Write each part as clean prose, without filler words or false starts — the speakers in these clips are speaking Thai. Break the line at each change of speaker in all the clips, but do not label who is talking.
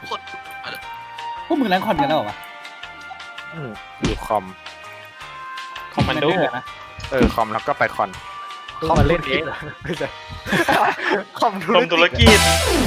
คน
พวกมึงแรงคอนกันแล้วเหรอวะ
อยู่คอม
มันดูนะ
คอมแล้วก็ไปคอน
คอมเล่นเองไม่ใช่คอม
ธุรกิจ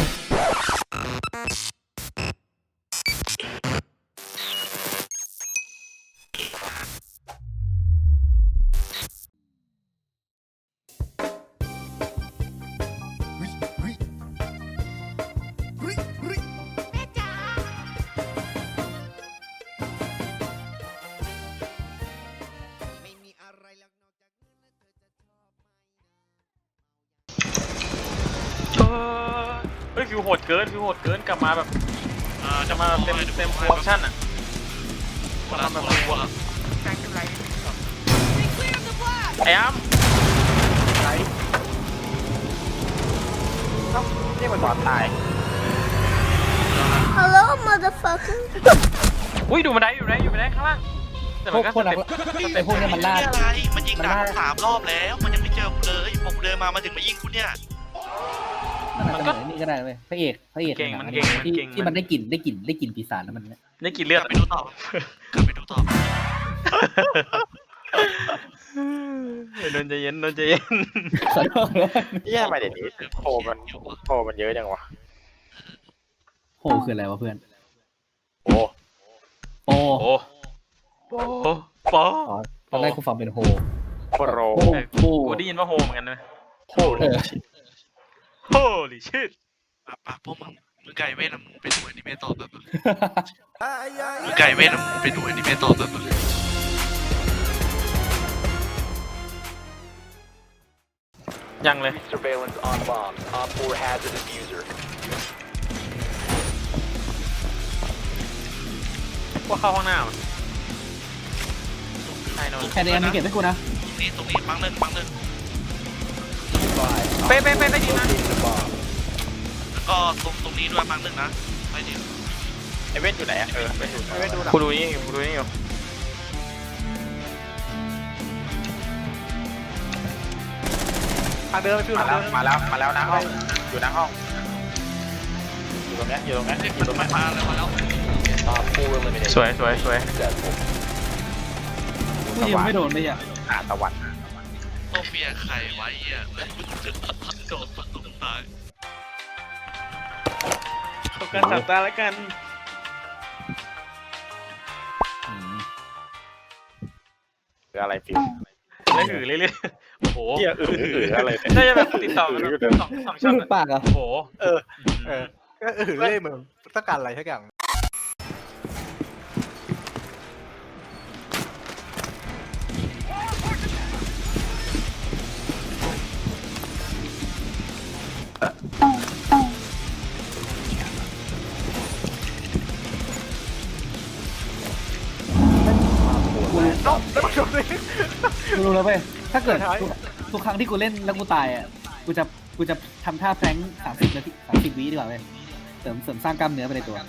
ฟิวโหดเกินกลับมาแบบจะมาเต็มออปชั่นอ่ะมาแบบรัวไอ้อ้ำ
ไรนี่มันบอดตาย
Hello motherfucker
อุ้ยดูบันไดอยู่ไหนข้างล่างแต่มันก็สเต็ป
ไอ้พวกนี้มันล่า
อะไรมันยิงด่า3 รอบแล้วมันยังไม่เจอกูเลยผมเดินมาถึงมายิงกูเนี่ย
มันก็นี่ก็ได้เว้ยพระเอกที่มันได้กลิ่นปีศาจแล้วมัน
ได้กลิ่นเลือด
กลับไปดูต่อ
โดนใจเย็น
ขอโทษ
แย่ไปเดี๋ยวนี้โผมันเยอะจังวะ
โหคืออะไรวะเพื่อน
โอ้
ตอนแรกกูฟังเป็นโฮ
กูได้ยินว่าโฮเหมือนกันเลยโฮลิชิต
ปะพวกมึงไก่เวทมึงไปดูอนิเมะต่อแบบมึงไก่เวทมึงไปดูอนิเมะต่อแบบ
ยังเลยพวกเข้าห้องหน้า
แค่นี้มีเก็บให้กูนะ
ตรงนี้ปังหนึ่ง
เป๊ะดีนะ
แล้วก็ตรงนี้ด้วยปังหนึ่งนะไปดิ
ไอเว้นอยู่ไหนอ่ะ
ไม่ดูหรอก
กูดูนี่อยู่
ทางเดินไปฟิว
มาแล้วนะห้องอยู่นะห้องอยู่ตรงนี้
มาแล้ว
สวย
กูยังไม่โดนเลยอ่ะ
ตะวัน
โซเฟียไข่ไว้อ่ะโดนฝังตรงตาย
เข้ากันสับตาแล้วกันอะไรฟิวแล้วเรื่อยโอ้โหอะไรน่าจะแบบติดต่อกัน2 ช่อง
ปากอ่ะ
โอ้โห
ก็เรื่อยเหมือนต้องการอะไรสักอย่าง
กูรู้แล้วเว้ยถ้าเกิดทุกครั้งที่กูเล่นแล้วกูตายอ่ะกูจะทำท่าแฟรงค์30 วิดีกว่าเว้ยเสริมสร้างกล้ามเนื้อไปในตัว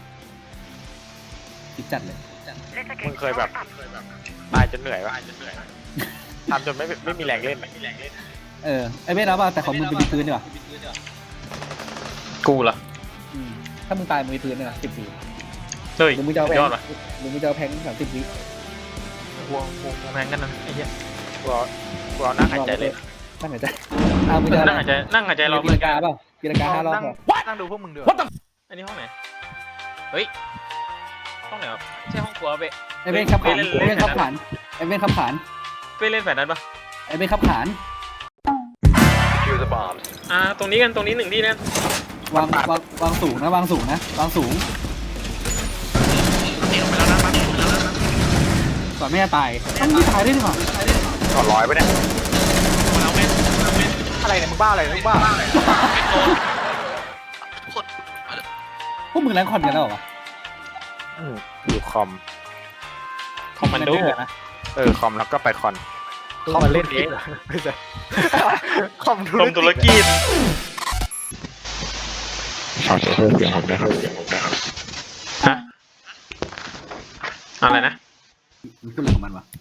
คิดจัดเลย
มึงเคยแบบตายจนเหนื่อยป่ะทำจนไม่มีแรงเล่น
ไอ้เว้ยนะว่าแต่ของมึงเป็นพื้นดีกว่า
กูเหรอ
ถ้ามึงตายมึงมีพื้นเลยนะ10 วิ
เฮ้ย
มึงจะเอาแพง30 วิ
วงแพงกันนะไอ้เหี้ยกูเอานั่งหายใจเลย
นั่งหายใจ
นั่งหายใจรอ
ปีละกาเปล่าปีละกา5 รอบ
นั่งดูพวกมึงด้วย
อันนี้ห้องไหนเฮ้ยห้องไหนครับใช่ห้องครัวเว้ย
ไอ้เว้นขับขานไอ้เว้นขับขาน
ไปเล่นแฝดนั้นปะ
ไอ้เว้นขับขาน
ตรงนี้1 ที่นะ
วางสูงนะวางสูงก่อนไม่จะตายต้องตายได้หรือเปล่า
ก่อน100ไปเนี่ย
อะไรเนี่ยมึงบ้าอะไรมึงบ้า
พวกมึงแรงคอนกันแล้วเหรอวะ
อยู่คอมมันดูนะคอมแล้วก็ไปคอน
คอมเล่นเองไม่ใช่คอม
ธุรกิจขอเสียงผมนะครับฮะอะไรนะ
มันขึ้นเรื่องของมันวะ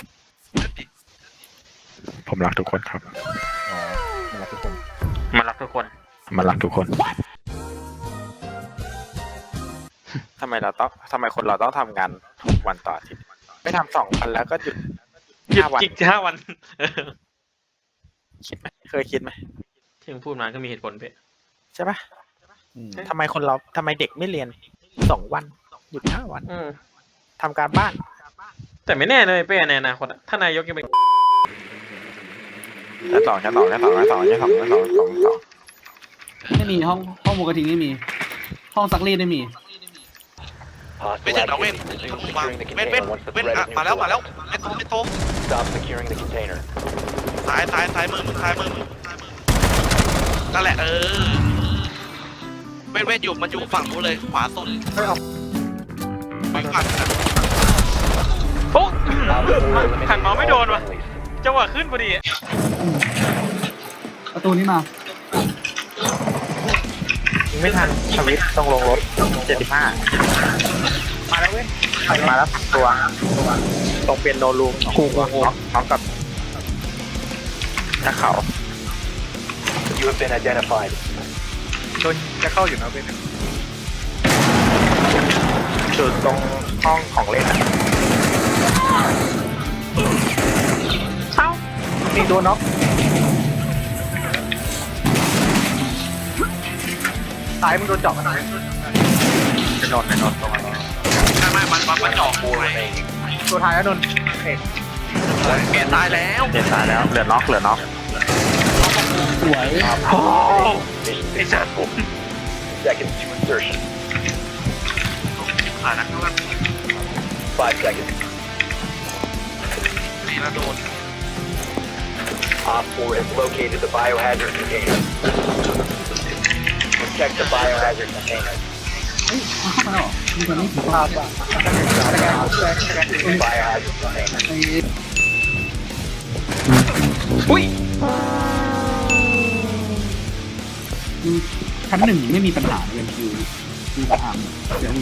ผมรักทุกคนครับ
มันรักทุกคน
มันรักทุกคนทำไมคนเราต้องทำงาน6 วันต่ออาทิตย์ไม่ทำ2 วันแล้วก็หยุด
หยุด
5 วัน
จิก5 วัน
คิดไหมเคยคิดไหม
ที่มึงพูดมาก็มีเหตุผลเป๊ะ
ใช่ปะ
อืม
ทำไมเด็กไม่เรียน2 วันหยุด5 วัน
อืม
ทำการบ้าน
แต่ไม่แน่เลยเป้ในอนาคตอะถ้านายกยังเป็น
แค่สอง
ไม่มีห้องหมูกระทิงไม่มี ห้องซักรีดไม่มี
ไม่ใช่เราเว้นมาเว้นอ่ะมาแล้วไม่โตซ้ายมือมึงนั่นแหละเว้นอยู่มันอยู่ฝั่งนู้นเลยขวาสุดไม่ขัด
โอ้หันมาไม่โดนว่ะจังหวะขึ้นพอดี
ประตูนี้มา
ไม่ทันสวิตต้องลงรถ75มาแล้วเว้ยมาแล้วตัวตรงเปียโนรูมน้องกับนักเขาโดนจะเข้าอยู่นะเว้ยจุดตรงห้องของเล่นเอ้ามีตัวน็อกสายมึงโดนเจาะกันไหนจะนอนตรงนั้น
ไม่มันจ่อกูไง
ตัวท้ายแล้วนน
แกตายแล้ว
เหลือน็อก
สวย
โอ้ไอ้สัตว์
ผ่านนะก็นี่นะโดน
Op 4 has located the biohazard container. Protect the biohazard container.
เฮ้ยเอาเข้ามาแล้วเหรอมีคนนี้ถือภาพอ่ะ
Biohazard container.
อุ้ย
ชั้น 1ไม่มีปัญหาเลยคือประอาร์มเดี๋ยวอยู่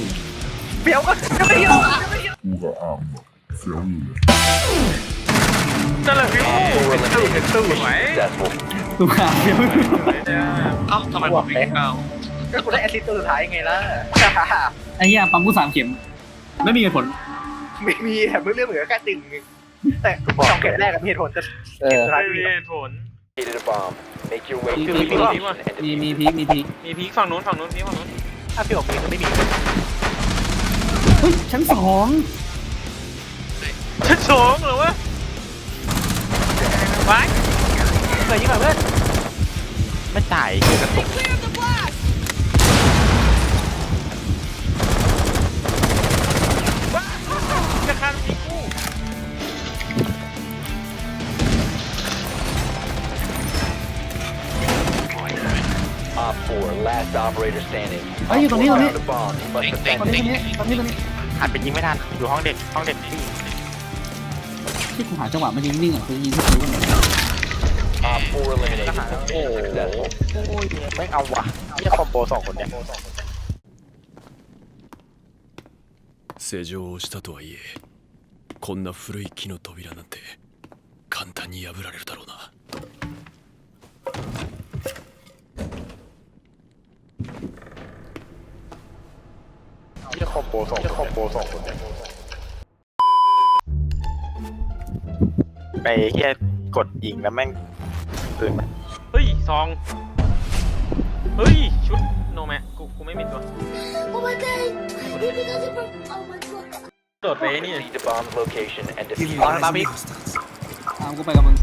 นั่นแหละพี่ตู้ไหม
Successful.
ดูข่าวเดี๋ยว
เอ้าทำไมผมวิ่งเก้า
ก็กูได้แอสซิสต์ตัวสุดท้ายไงล่ะ
ไอ้เหี้ยปั๊มกู3 เข็ม ไม่มีเหตุผล
ไม่มีแต่เรื่องเหมือนกับการตึงแต่2 เข็มแรกกับเหตุผลจะ
ไม่มีเหตุผล
Located a bomb. Make your way to
มี
the
พี
location and
มี
defuse.
พีค
มีพีคฝั่งนู้นพีคฝั่งนู้น
ถ้าพี่บอกมีก็ไม่มี
เฮ้ยชั้น 2
ชั้น2เหรอวะไว้
เคยยิงแบบเพื่อนไม่จ่ายคือกระตุก
จะฆ่าพีกู
Op 4, last operator standing.
เฮ้ยอยู่ตรงนี้
Found a bomb. You must
เต็ง
defend
เต็ง
it.
ตรงนี้
หันไปยิงไม่ทันอยู่ห้องเด็กที่
ที่กูหาจังหวะมันยิงนิ่งอ่ะคือยิงที่คิ้วมัน
Op 4 eliminated.
โอ้โห
Successful.
ไม่เอาว่ะนี่คอมโบ2 คนเนี่ย
施錠をしたとはいえこんな古い木の扉なんて簡単に破られるだろうな
นี่คอมโบ2 คนเนี่ยไปแค่กดยิงแล้วแม่งปืนมัน
เฮ้ยซองเฮ้ยชุดโนแมกูไม่มีตัว
Oh my god! You because it broke. Oh my god!
โดดไปนี่
Proceed to bomb's location and defuse
อ๋อ
it.
ตามอีก
ตามกูไปกับมึง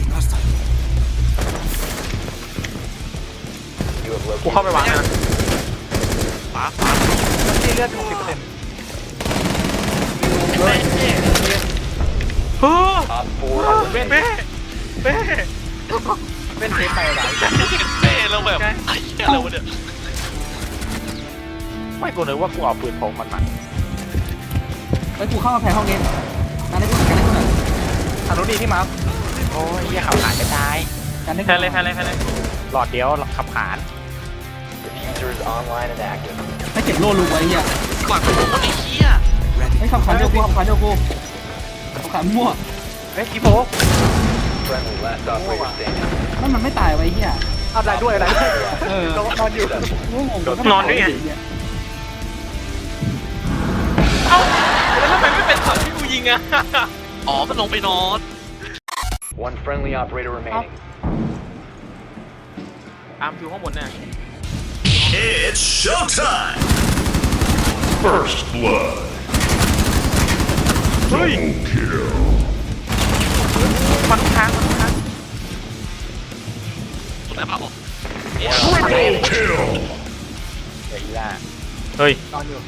You have
กูเข้า
located
ไปวางนะ
ฟ้า
ที่เลือด60%
เฮ้ย
Op 4
เป้
eliminated.
เป้
เป็นเทปไปหลาย
เต้แล้วแบบไอ้เหี้ยเราเนี่ย
ไม่กูนึกว่ากูเอาปืนพกมันมา
ไปกูเข้ามาแพ้ห้องนี้การได้กูหน่อย
ทางนู้นดีที่มาโอ้ยเหี้ยขับขานจะตาย
การได้
แพ้เลย
หลอดเดียวขับขาน
Diffuser is online and active.
ไม่เก็บโล่ลูกไว้เหี้ย
หลังกูคนไอ้เหี้ย
ไอ้คำขานเดียวกูคำขานมั่ว
เฮ้ยกีโฟ
Friendly last operator standing.
นั่นมันไม่ตายไว้เหี้ย
อะไรด้วย
เออน
อนอยู่
งง
นอนด้วยไงเอ้าแล้วทำไมไม่เป็นฝั่งที่กูยิงอะ
อ๋อมันลงไปนอน
One friendly operator remaining.
ตามอยู่ข้างบนเนี่ย
It's showtime! First blood.
เฮ้ย
Kill.
มันค้าง
สุดแล้วเปล่า
Kill.
เฮียอีล่า
เฮ้ย
นอนอยู่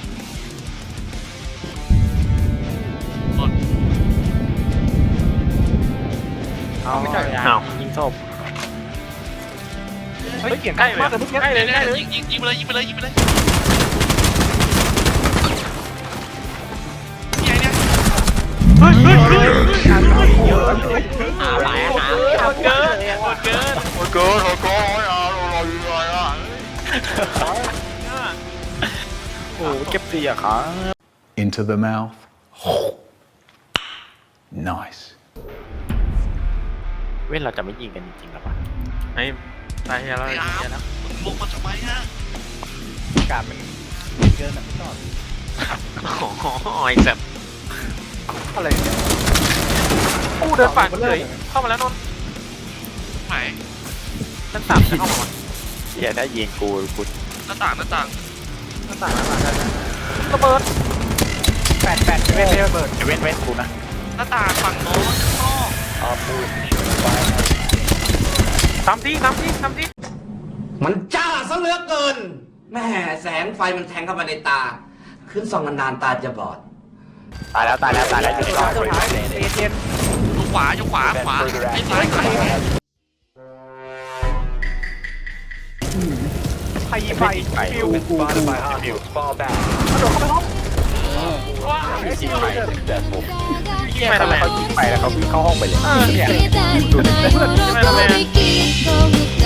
เอาไม่ใช่
อ้าว
ยิงศพ
เฮ้ยใกล้เลยใกล้เลยใกล้เลย
ยิงไปเลยยิงไปเลยยิงไปเลยนี่ไงเนี่ย
เฮ้ยเฮ้ยเฮ้ย
อะไรนะ
หมดเกินหมดเกิน
โอ้โหเราอยู่ไรอ่ะโอ้เก็บเสียขา
Into the mouth. Nice.
เว้นเราจะไม่ยิงกันจริงๆหรอวะ
ไอ้ตายแล้ว
ไอ้อาร์มมึงลงมาทำไมฮะ
การมันเกินแบบไม่ชอบ
โอ้โหไอ้แซ่บ
อะไรเนี่ย
อู้เดินฝ่าเลยเข้ามาแล้วนนท์
ไหน
ชั้น3จะเข้ามา
เฮียได้ยิงกู
หน้าต่างหน้าต่าง
ระเบิด
แปดเว้นระเบิดเว้นกูนะ
หน้าต่างฝั่งโน้นข้างนอก
Op 4 is securing the biohazard.
ทำที่
มันจ้าซะเหลือเกินแม่แสงไฟมันแทงเข้ามาในตา ขึ้นส่องนานๆตาจะบอด
ตายแล้วอยู่ในกล้อง
Operator standing.
ยกขวายกขวา
Prevent
ขวา
further
ไอ้
action.
ซ้ายซ้าย
Biohazard.
ใครยิงไฟฟิว
Spotted by hostiles. Fall back. Successful.
เฮียทำไมเขายิงไปแล้วเขาวิ่งเข้าห้องไปเลย
Kita, kita, kita, kita, kita, kita,